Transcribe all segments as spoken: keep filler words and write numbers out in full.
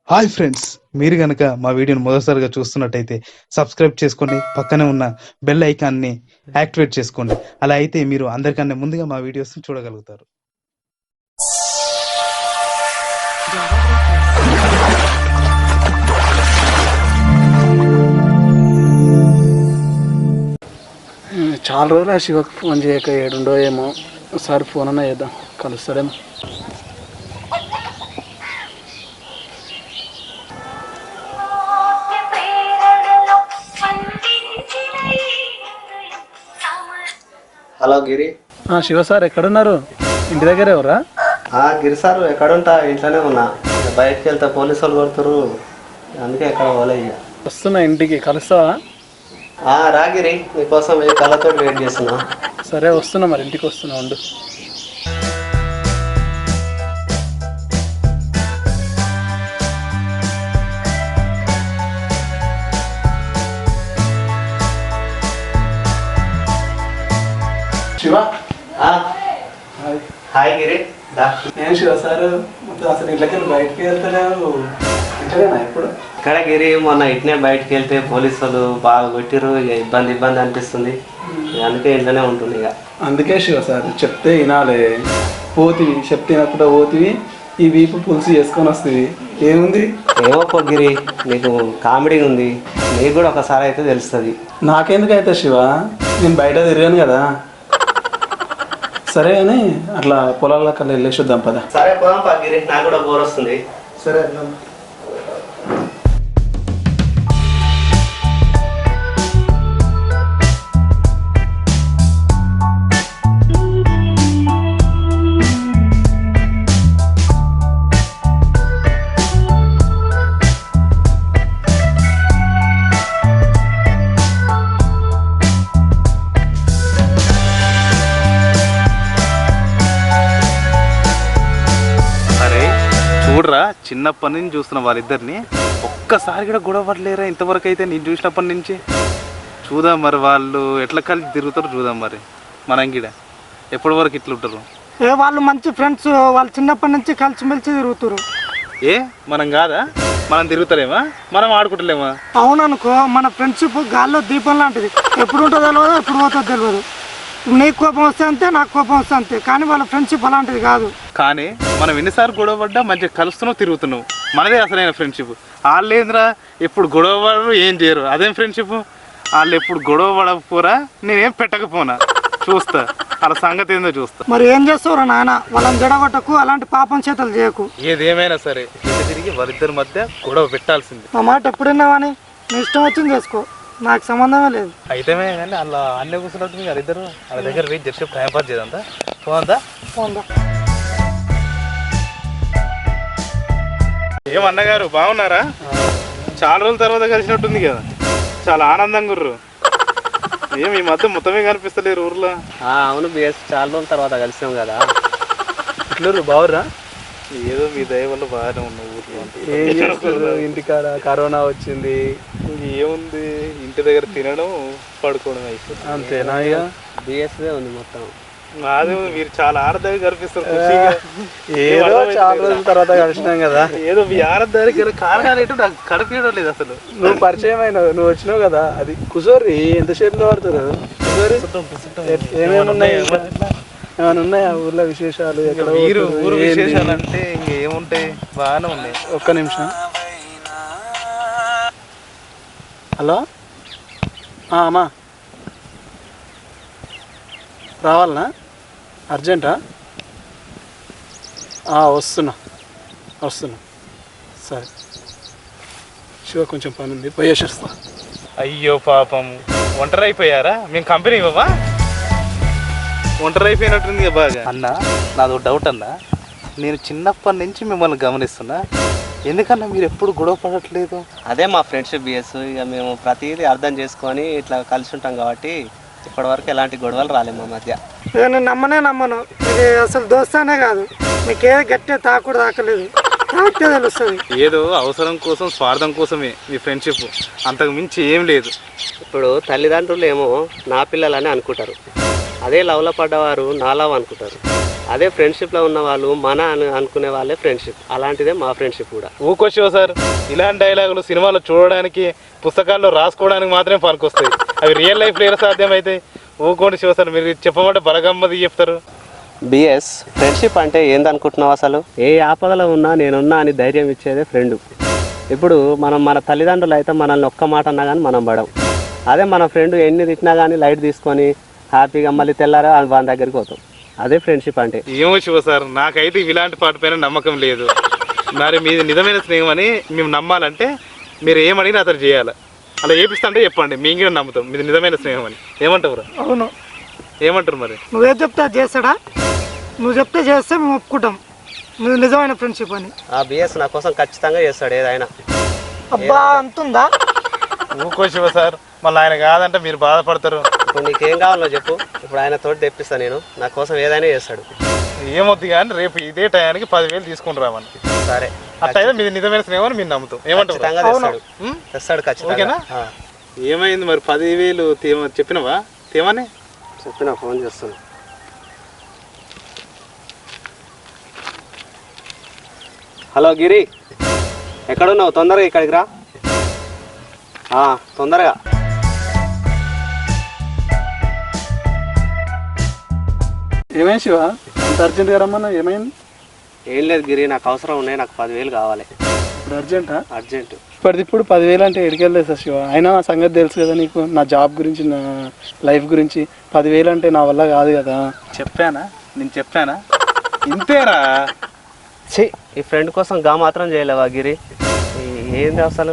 Hi friends, మీరు కనుక మా వీడియోని మొదటిసారిగా చూస్తున్నట్టయితే సబ్స్క్రైబ్ చేసుకోండి, పక్కనే ఉన్న బెల్ ఐకాన్ని యాక్టివేట్ చేసుకోండి. అలా అయితే మీరు అందరికన్నా ముందుగా మా వీడియోస్ చూడగలుగుతారు. చాలా రోజులు ఆ శివకు ఫోన్ చేయక ఏడుండో ఏమో. ఒకసారి ఫోన్ అన్నా చేద్దాం, కలుస్తాడేమో. హలో గిరి. శివ సార్ ఎక్కడున్నారు? ఇంటి దగ్గర ఎవరా? గిరి సార్ ఎక్కడుంటా, ఇంట్లోనే ఉన్నా. బయటకు వెళ్తా పోలీసు వాళ్ళు కొడుతురు, అందుకే ఎక్కడ పోలే. ఇక వస్తున్నా ఇంటికి, కలుస్తావా? రా గిరి, నీకోసం ఏ కళ్ళతో వెయిట్ చేస్తున్నా. సరే వస్తున్నా, మరి ఇంటికి వస్తున్నా ఉండు. శివ. హాయ్ గిరి. నేను శివ సార్ అసలు ఇంట్లోకి బయటకి వెళ్తలేవు, ఇంట్లోనా ఇప్పుడు? ఇక్కడ గిరి, మొన్న ఇట్నే బయటకు వెళ్తే పోలీసు వాళ్ళు బాగా కొట్టిరు. ఇక ఇబ్బంది ఇబ్బంది అనిపిస్తుంది, అందుకే ఇంట్లోనే ఉంటుంది. ఇక అందుకే శివ సార్ చెప్తే వినాలి. పోతివి చెప్తే వినకుండా పోతివి, ఈ వీపు పులుసు చేసుకొని వస్తుంది. ఏముంది? ఏమో గిరి, నీకు కామెడీ ఉంది, నీకు కూడా ఒకసారి అయితే తెలుస్తుంది. నాకెందుకైతే శివ, నేను బయట తిరిగాను కదా. సరే అని అట్లా పొలాల్లో కల్లా వెళ్ళేసి వద్దాం పద. సరే పోదాం పా గిరి, నాకు కూడా బోర్ వస్తుంది. సరే. చూడరా, చిన్నప్పటి నుంచి చూస్తున్న వాళ్ళిద్దరిని, ఒక్కసారి కూడా గొడవ పడలేరా ఇంతవరకు అయితే నేను చూసినప్పటి నుంచి. చూద్దాం మరి వాళ్ళు ఎట్లా కలిసి తిరుగుతారు, చూద్దాం మరి. మనం గిడ ఎప్పటి వరకు ఇట్లా ఉంటారు. ఏ వాళ్ళు మంచి ఫ్రెండ్స్, వాళ్ళు చిన్నప్పటి నుంచి కలిసిమెలిసి తిరుగుతారు. ఏ మనం కాదా? మనం తిరుగుతారేమా, మనం ఆడుకుంటలేమా? అవుననుకో, మన ఫ్రెండ్షిప్ గాల్లో దీపం లాంటిది. ఎప్పుడు ఉంటుందో తెలియదు, ఎప్పుడు పోతుందో తెలియదు. నీకు కోపం వస్తే అంతే, నాకు కోపం వస్తే అంతే. కానీ వాళ్ళ ఫ్రెండ్షిప్ అలాంటిది కాదు. కానీ మనం ఎన్నిసార్లు గొడవ పడ్డా మంచిగా కలుస్తున్నావు, తిరుగుతున్నావు. మనదే అసలైన ఫ్రెండ్షిప్. వాళ్ళు ఏంద్రా ఎప్పుడు గొడవ పడరు, ఏం చేయరు. అదేం ఫ్రెండ్షిప్? వాళ్ళు ఎప్పుడు గొడవ పడకపోరా, నేనేం పెట్టకపోనా, చూస్తా వాళ్ళ సంగతి ఏందో చూస్తా. మరి ఏం చేస్తావురా నాయన, వాళ్ళని జడగొట్టకు, అలాంటి పాపం చేతలు చేయకు. ఏదేమైనా సరే తిరిగి వాళ్ళిద్దరి మధ్య గొడవ పెట్టాల్సింది. మా మాట ఎప్పుడున్నావని నీ ఇష్టం వచ్చింది చేసుకో, నాకు సంబంధమే లేదు. అయితే కానీ అలా అన్నీ కూర్చున్నట్టు మీరు ఇద్దరు వాళ్ళ దగ్గర వెయిట్ చేసి టైం పాస్ చేద్దా. పోందా పోందా. ఏమన్నగారు బాగున్నారా? చాలా రోజుల తర్వాత కలిసినట్టుంది కదా, చాలా ఆనందంగా ఉర్రు. ఏం ఈ మధ్య మొత్తమే కనిపిస్తలేరు ఊర్లో. అవును బిఎస్, చాలా రోజుల తర్వాత కలిసాం కదా. ఇట్లు బావురా? ఏదో మీ దయ వల్ల బాగానే ఉన్న ఊర్లో. ఏం చేస్తారు ఇంటికాడ? కరోనా వచ్చింది, ఏముంది ఇంటి దగ్గర తినడం పడుకోవడం అయిపోతుంది అంతేనా? ఇక బిఎస్దే ఉంది మొత్తం. అదే మీరు చాలా ఆనందంగా కనిపిస్తారు. ఏదో చాలా రోజుల తర్వాత కలిసినాం కదా. ఏదో మీ ఆనందానికి కారణాలు ఏంటో నాకు కనిపించడం లేదు అసలు. నువ్వు పరిచయం అయినావు, నువ్వు వచ్చినావు కదా. అది కుసోరి ఎంతసేపులో పడుతుంది. ఏమేమి ఉన్నాయి, ఏమైనా ఉన్నాయా ఊర్లో విశేషాలు? మీరు ఊరు విశేషాలు అంటే ఇంకేముంటాయి, బాగానే ఉన్నాయి. ఒక్క నిమిషం. హలో అమ్మా, రావాలనా? అర్జెంటా? వస్తున్నా వస్తున్నా సరే శివ, కొంచెం పని ఉంది, పోయేసేస్తా. అయ్యో పాపం, ఒంటరి అయిపోయారా? మేము కంపెనీ ఇవ్వవా? ఒంటరి అయిపోయినట్టుంది బాగా. అన్న నాదో డౌట్ అన్న, నేను చిన్నప్పటి నుంచి మిమ్మల్ని గమనిస్తున్నా, ఎందుకన్నా మీరు ఎప్పుడు గొడవ పడట్లేదు? అదే మా ఫ్రెండ్షిప్ బిఎస్. ఇక మేము ప్రతిదీ అర్థం చేసుకొని ఇట్లా కలిసి ఉంటాం కాబట్టి ఇప్పటి వరకు ఎలాంటి గొడవలు రాలేము మా మధ్య. నేను నమ్మనే నమ్మను, ఇది అసలు దోస్తానే కాదు. మీకే గట్టిగా తాకుడు తాకలేదు, తాకితే తెలుస్తుంది. ఏదో అవసరం కోసం, స్వార్థం కోసమే మీ ఫ్రెండ్షిప్, అంతకు మించి ఏం లేదు. ఇప్పుడు తల్లిదండ్రులు ఏమో నా పిల్లలని అనుకుంటారు, అదే లవ్లో పడ్డవారు నా లవ్ అనుకుంటారు. అదే ఫ్రెండ్షిప్లో ఉన్న వాళ్ళు మన అని అనుకునే వాళ్ళే ఫ్రెండ్షిప్. అలాంటిదే మా ఫ్రెండ్షిప్ కూడా. ఊకో శివ సార్, ఇలాంటి డైలాగులు సినిమాలో చూడడానికి పుస్తకాల్లో రాసుకోవడానికి మాత్రమే పనికొస్తాయి. అవి రియల్ లైఫ్లో ఎలా సాధ్యమవుతాయి? ఊకోండి శివ సార్, మీరు చెప్పమంటే బలగమ్మది చెప్తారు. బిఎస్ ఫ్రెండ్షిప్ అంటే ఏందనుకుంటున్నావు అసలు? ఏ ఆపదలో ఉన్నా నేనున్నా అని ధైర్యం ఇచ్చేదే ఫ్రెండ్. ఇప్పుడు మనం మన తల్లిదండ్రులు అయితే మనల్ని ఒక్క మాట అన్నా కానీ మనం పడం. అదే మన ఫ్రెండ్ ఎన్ని తిట్టినా కానీ లైట్ తీసుకొని హ్యాపీగా మళ్ళీ తెల్లారా వాళ్ళ దగ్గరికి పోతాం. అదే ఫ్రెండ్షిప్ అంటే. ఏమో శివ సార్, నాకైతే ఇలాంటి పాట పైన నమ్మకం లేదు. మరి మీది నిజమైన స్నేహం అని మేము నమ్మాలంటే మీరు ఏమడిగినా అతను చేయాలి. అలా ఏపిస్తా అంటే చెప్పండి, మేము కూడా నమ్ముతాం మీది నిజమైన స్నేహం అని. ఏమంటారు? అవును. ఏమంటారు మరి? నువ్వేం చెప్తే అది చేస్తాడా? నువ్వు చెప్తే చేస్తే మేము ఒప్పుకుంటాం నువ్వు నిజమైన ఫ్రెండ్షిప్ అని. ఆ బిఎస్ నా కోసం ఖచ్చితంగా చేస్తాడు ఏదైనా. అబ్బా అంతుందా? ఊకో శివ సార్, మళ్ళీ ఆయన కాదంటే మీరు బాధపడతారు. ఇప్పుడు నీకేం కావాలో చెప్పు, ఇప్పుడు ఆయన తోటి తెప్పిస్తాను నేను. నా కోసం ఏదైనా చేస్తాడు. ఏమొద్దు కానీ రేపు ఇదే టయానికి పదివేలు తీసుకుని రామని. సరే అట్లయితే మీది నిజమైన స్నేహం అని మీరు నమ్ముతాం. ఏమంటారు? ఖచ్చితంగా తెస్తాడు. తెస్తాడు ఖచ్చితంగా. ఓకేనా? ఏమైంది మరి? పదివేలు తేమ చెప్పినవా? తేమని చెప్పిన ఫోన్ చేస్తాను. హలో గిరి, ఎక్కడున్నావు? తొందరగా ఇక్కడికి రా, తొందరగా. ఏమైంది శివ, అంత అర్జెంట్గా రమ్మన్నా? ఏమైంది? ఏం లేదు గిరి, నాకు అవసరం ఉన్నాయి. నాకు పదివేలు కావాలి ఇప్పుడు. అర్జెంటా? అర్జెంటు. ఇప్పటిది ఇప్పుడు పదివేలు అంటే ఎడికెళ్ళలేదు సార్ శివ. అయినా నా సంగతి తెలుసు కదా నీకు, నా జాబ్ గురించి, నా లైఫ్ గురించి. పదివేలు అంటే నా వల్ల కాదు కదా. చెప్పానా? నేను చెప్పానా? ఇంతేరా. ఛీ, ఈ ఫ్రెండ్ కోసం గా మాత్రం చేయలేవా గిరి? ఏంది అసలు?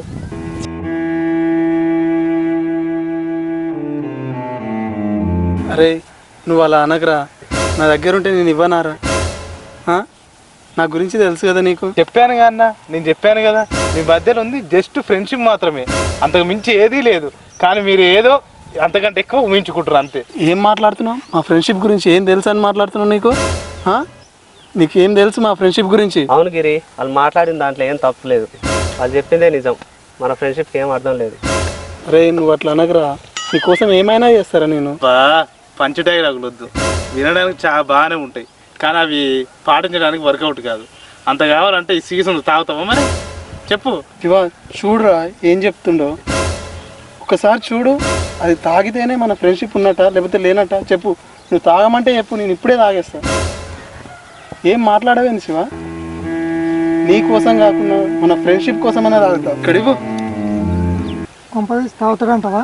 అరే నువ్వు అలా అనగరా, నా దగ్గర ఉంటే నేను ఇవ్వనారా? నా గురించి తెలుసు కదా నీకు. చెప్పాను కదా అన్న, నేను చెప్పాను కదా మీ మధ్యలో ఉంది జస్ట్ ఫ్రెండ్షిప్ మాత్రమే, అంతకు మించి ఏదీ లేదు. కానీ మీరు ఏదో అంతకంటే ఎక్కువ ఊహించుకుంటారు అంతే. ఏం మాట్లాడుతున్నావు? మా ఫ్రెండ్షిప్ గురించి ఏం తెలుసు అని మాట్లాడుతున్నావు? నీకు నీకేం తెలుసు మా ఫ్రెండ్షిప్ గురించి? అవును గిరి, వాళ్ళు మాట్లాడిన దాంట్లో ఏం తప్పులేదు. వాళ్ళు చెప్పిందే నిజం. మన ఫ్రెండ్షిప్కి ఏం అర్థం లేదు. అరే నువ్వు అట్లా అనగరా, నీకోసం ఏమైనా చేస్తారా నేను. బా పంచ డైలాగులు వద్దు, వినడానికి చాలా బాగానే ఉంటాయి కానీ అవి పాటించడానికి వర్కౌట్ కాదు. అంత కావాలంటే ఈ సీజన్ తాగుతావా మరి? చెప్పు శివ. చూడురా ఏం చెప్తుండో, ఒకసారి చూడు. అది తాగితేనే మన ఫ్రెండ్షిప్ ఉన్నట్ట లేకపోతే లేనట్ట చెప్పు. నువ్వు తాగమంటే చెప్పు, నేను ఇప్పుడే తాగేస్తా. ఏం మాట్లాడవేంది శివ? నీ కోసం కాకుండా మన ఫ్రెండ్షిప్ కోసమైనా తాగుతా. ఇక్కడివ్వు. కొంపదీసి తాగుతాడంటావా?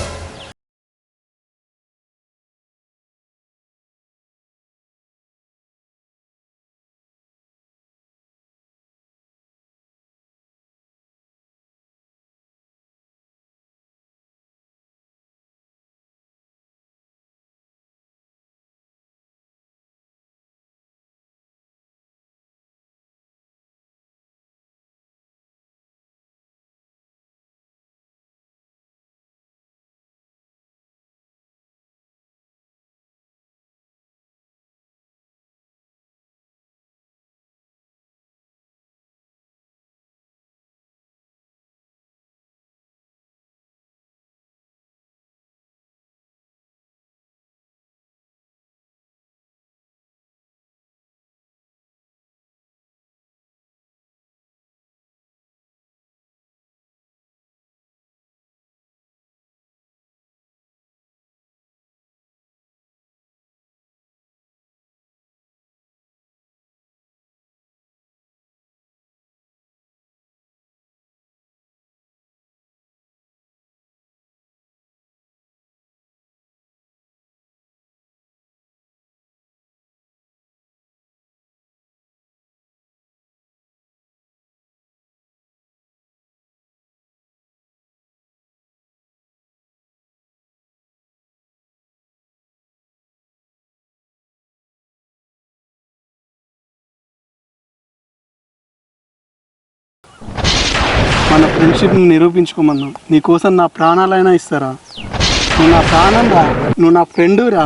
మన ఫ్రెండ్షిప్ని నిరూపించుకోమన్నా. నీకోసం నా ప్రాణాలైనా ఇస్తారా? నువ్వు నా ప్రాణం రా, నువ్వు నా ఫ్రెండు రా.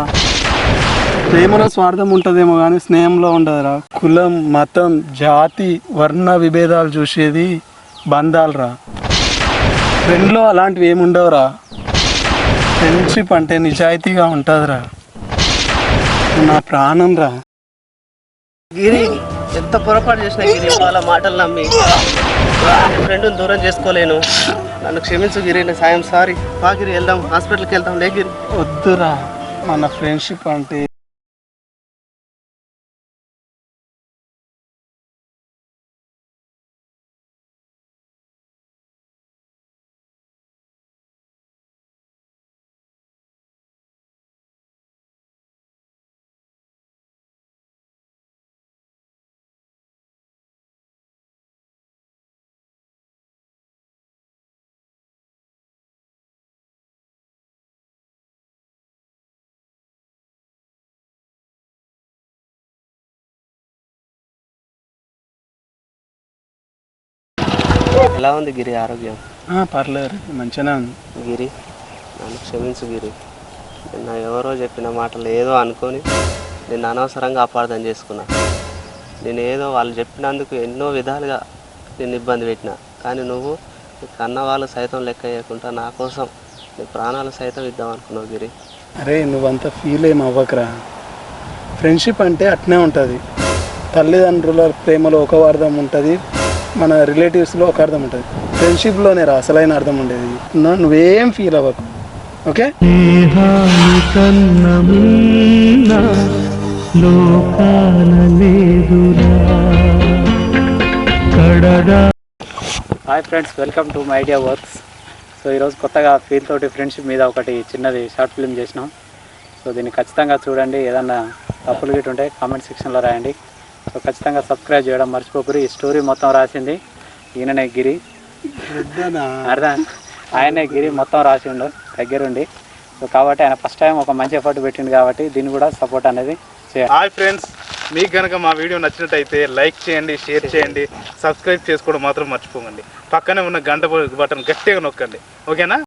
ప్రేమలో స్వార్థం ఉంటుందేమో కానీ స్నేహంలో ఉండదురా. కులం, మతం, జాతి, వర్ణ విభేదాలు చూసేది బంధాలు రా. ఫ్రెండ్లో అలాంటివి ఏమి ఉండవురా. ఫ్రెండ్షిప్ అంటే నిజాయితీగా ఉంటుందిరా. నా ప్రాణం రా. గిరి ఎంత పొరపాటు చేసిన గిరి వాళ్ళ మాటలు నమ్మి ఫ్రెండ్ని దూరం చేసుకోలేను. నన్ను క్షమించు గిరి, నేను సాయం సారీ. బా గిరి, వెళ్దాం, హాస్పిటల్కి వెళ్దాం. లే గిరి. వద్దురా, మన ఫ్రెండ్షిప్ అంటే ఎలా ఉంది గిరి ఆరోగ్యం? ఆ, పర్లేదు మంచిగానే ఉంది. గిరి నన్ను క్షమించు గిరి. నిన్న ఎవరో చెప్పిన మాటలు ఏదో అనుకొని నేను అనవసరంగా అపార్థం చేసుకున్నా. నేను ఏదో వాళ్ళు చెప్పినందుకు ఎన్నో విధాలుగా నేను ఇబ్బంది పెట్టినా. కానీ నువ్వు నీ కన్న వాళ్ళు సైతం లెక్క చేయకుండా నా కోసం నీ ప్రాణాలు సైతం ఇద్దాం అనుకున్నావు గిరి. అరే నువ్వంతా ఫీల్ ఏం అవ్వకరా. ఫ్రెండ్షిప్ అంటే అట్నే ఉంటుంది. తల్లిదండ్రుల ప్రేమలో ఒక అర్థం ఉంటుంది, మన రిలేటివ్స్లో ఒక అర్థం ఉంటుంది. ఫ్రెండ్షిప్లోనే రా అసలైన అర్థం ఉండేది. నువ్వేం ఫీల్ అవ్వకు, okay? Hi friends, welcome to my idea works. So ఈరోజు కొత్తగా ఫీల్ తోటి ఫ్రెండ్షిప్ మీద ఒకటి చిన్నది షార్ట్ ఫిల్మ్ చేసినాం. సో దీన్ని ఖచ్చితంగా చూడండి. ఏదన్నా తప్పులు గిట్టు ఉంటే కామెంట్ సెక్షన్లో రాయండి. సో ఖచ్చితంగా సబ్స్క్రైబ్ చేయడం మర్చిపోకూరి. ఈ స్టోరీ మొత్తం రాసింది ఈయననే గిరి. అర్థం ఆయనే గిరి మొత్తం రాసిండు దగ్గరుండి. సో కాబట్టి ఆయన ఫస్ట్ టైం ఒక మంచి ఎఫర్ట్ పెట్టిండు కాబట్టి దీన్ని కూడా సపోర్ట్ అనేది చేయాలి. హాయ్ ఫ్రెండ్స్, మీకు కనుక మా వీడియో నచ్చినట్టయితే లైక్ చేయండి, షేర్ చేయండి, సబ్స్క్రైబ్ చేసుకోవడం మాత్రం మర్చిపోకండి. పక్కనే ఉన్న గంట బటన్ గట్టిగా నొక్కండి, ఓకేనా?